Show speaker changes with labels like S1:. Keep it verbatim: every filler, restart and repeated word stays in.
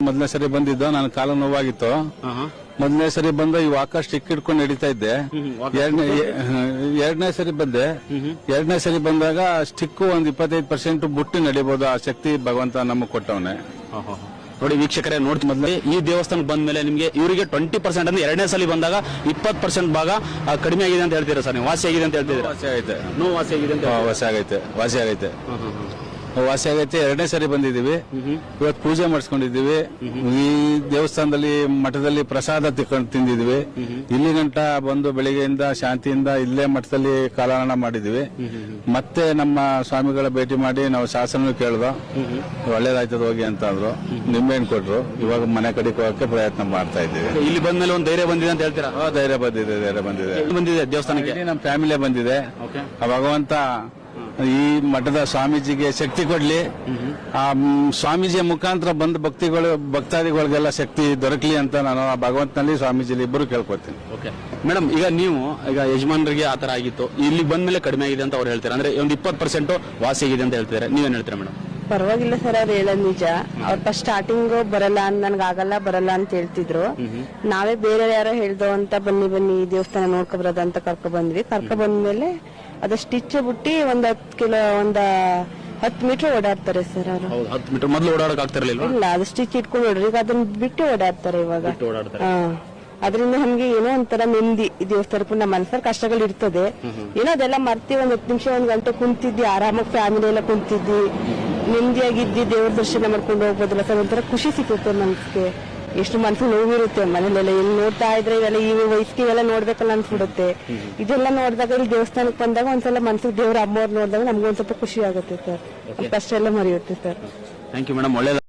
S1: ಮೊದಲನೇ ಸರಿ ಬಂದಿದ್ದು ನನ್ನ ಕಾಲು ನೋವಾಗಿತ್ತು. ಮೊದಲನೇ ಸರಿ ಬಂದ ಈ ವಾಕರ್ ಸ್ಟಿಕ್ ಇಟ್ಕೊಂಡು ನಡೀತಾ ಇದ್ದೆ. ಎರಡನೇ ಎರಡನೇ ಸರಿ ಬಂದೆ. ಎರಡನೇ ಸರಿ ಬಂದಾಗ ಸ್ಟಿಕ್ ಒಂದ್ ಇಪ್ಪತ್ತೈದು ಪರ್ಸೆಂಟ್ ಬುಟ್ಟಿ ನಡಿಬಹುದು. ಆ ಶಕ್ತಿ ಭಗವಂತ ನಮಗೆ ಕೊಟ್ಟವನೆ.
S2: ನೋಡಿ ವೀಕ್ಷಕರೇ, ನೋಡಿ ಮೊದಲೇ ಈ ದೇವಸ್ಥಾನಕ್ಕೆ ಬಂದ ಮೇಲೆ ನಿಮಗೆ ಇವರಿಗೆ ಟ್ವೆಂಟಿ ಪರ್ಸೆಂಟ್ ಅಂದ್ರೆ ಎರಡನೇ ಸಲ ಬಂದಾಗ ಇಪ್ಪತ್ತು ಪರ್ಸೆಂಟ್ ಭಾಗ ಕಡಿಮೆ ಆಗಿದೆ ಅಂತ ಹೇಳ್ತೀರಾ ಸರ್ ನೀವು? ವಾಸಿ ಆಗಿದೆ ಅಂತ ಹೇಳ್ತೀರಾ?
S1: ವಾಸಿ ಆಗೈತೆ.
S2: ನೋ ವಾಸಿ ಆಗಿದೆ ಅಂತ
S1: ವಾಸಿ ಆಗೈತೆ. ವಾಸಿ ಆಗೈತೆ ವಾಸಿ ಆಗೈತೆ ಎರಡನೇ ಸರಿ ಬಂದಿದ್ದೀವಿ. ಇವತ್ತು ಪೂಜೆ ಮಾಡಿಸ್ಕೊಂಡಿದ್ದೀವಿ. ಈ ದೇವಸ್ಥಾನದಲ್ಲಿ ಮಠದಲ್ಲಿ ಪ್ರಸಾದ ತಿಳ್ಕೊಂಡು ತಿಂದಿದ್ವಿ. ಇಲ್ಲಿ ಗಂಟ ಬಂದು ಬೆಳಿಗ್ಗೆಯಿಂದ ಶಾಂತಿಯಿಂದ ಇಲ್ಲೇ ಮಠದಲ್ಲಿ ಕಾಲಹರಣ ಮಾಡಿದ್ವಿ. ಮತ್ತೆ ನಮ್ಮ ಸ್ವಾಮಿಗಳ ಭೇಟಿ ಮಾಡಿ ನಾವು ಶಾಸನ ಕೇಳ್ದೋ, ಒಳ್ಳೇದಾಯ್ತದ ಹೋಗಿ ಅಂತ ಅಂದ್ರು. ನಿಂಬೆಹಣ್ಣು ಕೊಟ್ರು. ಇವಾಗ ಮನೆ ಕಡೆಗೆ ಹೋಗಕ್ಕೆ ಪ್ರಯತ್ನ ಮಾಡ್ತಾ ಇದ್ದೀವಿ.
S2: ಇಲ್ಲಿ ಬಂದ್ಮೇಲೆ ಒಂದು ಧೈರ್ಯ ಬಂದಿದೆ ಅಂತ ಹೇಳ್ತೀರಾ?
S1: ಧೈರ್ಯ ಬಂದಿದೆ ಧೈರ್ಯ ಬಂದಿದೆ
S2: ಬಂದಿದೆ ದೇವಸ್ಥಾನಕ್ಕೆ.
S1: ನಮ್ಮ ಫ್ಯಾಮಿಲಿ ಬಂದಿದೆ. ಭಗವಂತ ಈ ಮಠದ ಸ್ವಾಮೀಜಿಗೆ ಶಕ್ತಿ ಕೊಡ್ಲಿ. ಆ ಸ್ವಾಮೀಜಿಯ ಮುಖಾಂತರ ಬಂದ ಭಕ್ತಿಗಳು ಭಕ್ತಾದಿಗಳಿಗೆಲ್ಲ ಶಕ್ತಿ ದೊರಕಲಿ ಅಂತ ನಾನು ಆ ಭಗವಂತನಲ್ಲಿ ಸ್ವಾಮೀಜಿಲಿ ಇಬ್ಬರು ಕೇಳ್ಕೊತೀನಿ.
S2: ಓಕೆ ಮೇಡಮ್, ಈಗ ನೀವು ಈಗ ಯಜಮಾನರಿಗೆ ಆತರ ಆಗಿತ್ತು, ಇಲ್ಲಿ ಬಂದ್ಮೇಲೆ ಕಡಿಮೆ ಆಗಿದೆ ಅಂತ ಅವ್ರು ಹೇಳ್ತಾರೆ. ಅಂದ್ರೆ ಒಂದು ಇಪ್ಪತ್ತು ಪರ್ಸೆಂಟ್ ವಾಸಿ ಆಗಿದೆ ಅಂತ ಹೇಳ್ತಾರೆ. ನೀವೇನ್ ಹೇಳ್ತೀರಾ ಮೇಡಮ್?
S3: ಪರವಾಗಿಲ್ಲ ಸರ್, ಅವ್ರು ಹೇಳೋದು ನಿಜ. ಅವ್ರ ಫಸ್ಟ್ ಸ್ಟಾರ್ಟಿಂಗ್ ಬರಲ್ಲ, ನನ್ಗೆ ಆಗಲ್ಲ ಬರಲ್ಲ ಅಂತ ಹೇಳ್ತಿದ್ರು. ನಾವೇ ಬೇರೆ ಯಾರೋ ಹೇಳ್ದೋ ಅಂತ ಬನ್ನಿ ಬನ್ನಿ ದೇವಸ್ಥಾನ ನೋಡ್ಕೊ ಬರೋದ ಅಂತ ಕರ್ಕೊ ಬಂದ್ವಿ. ಕರ್ಕೊ ಬಂದ್ಮೇಲೆ ಅದ ಸ್ಟಿಚ್ ಬಿಟ್ಟಿ ಒಂದ್ ಹತ್ತು ಕಿಲೋ ಒಂದ ಹತ್ತು ಮೀಟರ್ ಓಡಾಡ್ತಾರೆ ಸರ್ ಅವರು.
S2: ಹತ್ತು ಮೀಟರ್ ಮೊದಲು ಓಡಾಡಕ್ ಆಗ್ತಿರ್ಲಿಲ್ಲ.
S3: ಇಲ್ಲ, ಅದು ಸ್ಟಿಚ್ ಇಟ್ಕೊಂಡು ಓಡ್ರಿ, ಈಗ ಅದನ್ನ ಬಿಟ್ಟು ಓಡಾಡ್ತಾರೆ ಇವಾಗ. ಹಾ, ಅದರಿಂದ ನಮ್ಗೆ ಏನೋ ಒಂಥರ ನೆಮ್ಮದಿ. ಈ ದೇವಸ್ಥಾನಕ್ಕೂ ನಮ್ಮ ಮನಸ್ಸಲ್ಲಿ ಕಷ್ಟಗಳು ಇರ್ತದೆ, ಏನೋ ಅದೆಲ್ಲ ಮರ್ತಿ ಒಂದ್ ಹತ್ತು ನಿಮಿಷ ಒಂದ್ ಗಂಟೆ ಕುಂತಿದ್ದಿ, ಆರಾಮಾಗಿ ಫ್ಯಾಮಿಲಿ ಎಲ್ಲ ಕುಂತಿದ್ದಿ, ನೆಮ್ಮದಿಯಾಗಿದ್ದಿ, ದೇವ್ರ ದರ್ಶನ ಮಾಡ್ಕೊಂಡು ಹೋಗ್ಬೋದಲ್ಲ ಸರ್. ಒಂಥರ ಖುಷಿ ಸಿಗುತ್ತೆ ಮನ್ಸಿಗೆ. ಎಷ್ಟು ಮನ್ಸು ನೋವಿರುತ್ತೆ ಮನೇಲೆಲ್ಲ. ಎಲ್ಲಿ ನೋಡ್ತಾ ಇದ್ರೆ ಇವೆಲ್ಲ ಈ ವಯಸ್ಸಿಗೆ ಇವೆಲ್ಲ ನೋಡ್ಬೇಕಲ್ಲ ಅನ್ಸ್ಬಿಡುತ್ತೆ. ಇದೆಲ್ಲ ನೋಡಿದಾಗ ಇಲ್ಲಿ ದೇವಸ್ಥಾನಕ್ಕೆ ಬಂದಾಗ ಒಂದ್ಸಲ ಮನ್ಸಿಗೆ ದೇವ್ರ ಅಮ್ಮವ್ರು ನೋಡಿದಾಗ ನಮ್ಗೆ ಒಂದ್ ಸ್ವಲ್ಪ ಖುಷಿ ಆಗುತ್ತೆ ಸರ್. ಕಷ್ಟ ಎಲ್ಲ ಮರೆಯುತ್ತೆ ಸರ್.
S2: ಥ್ಯಾಂಕ್ ಯು ಮೇಡಮ್, ಒಳ್ಳೆ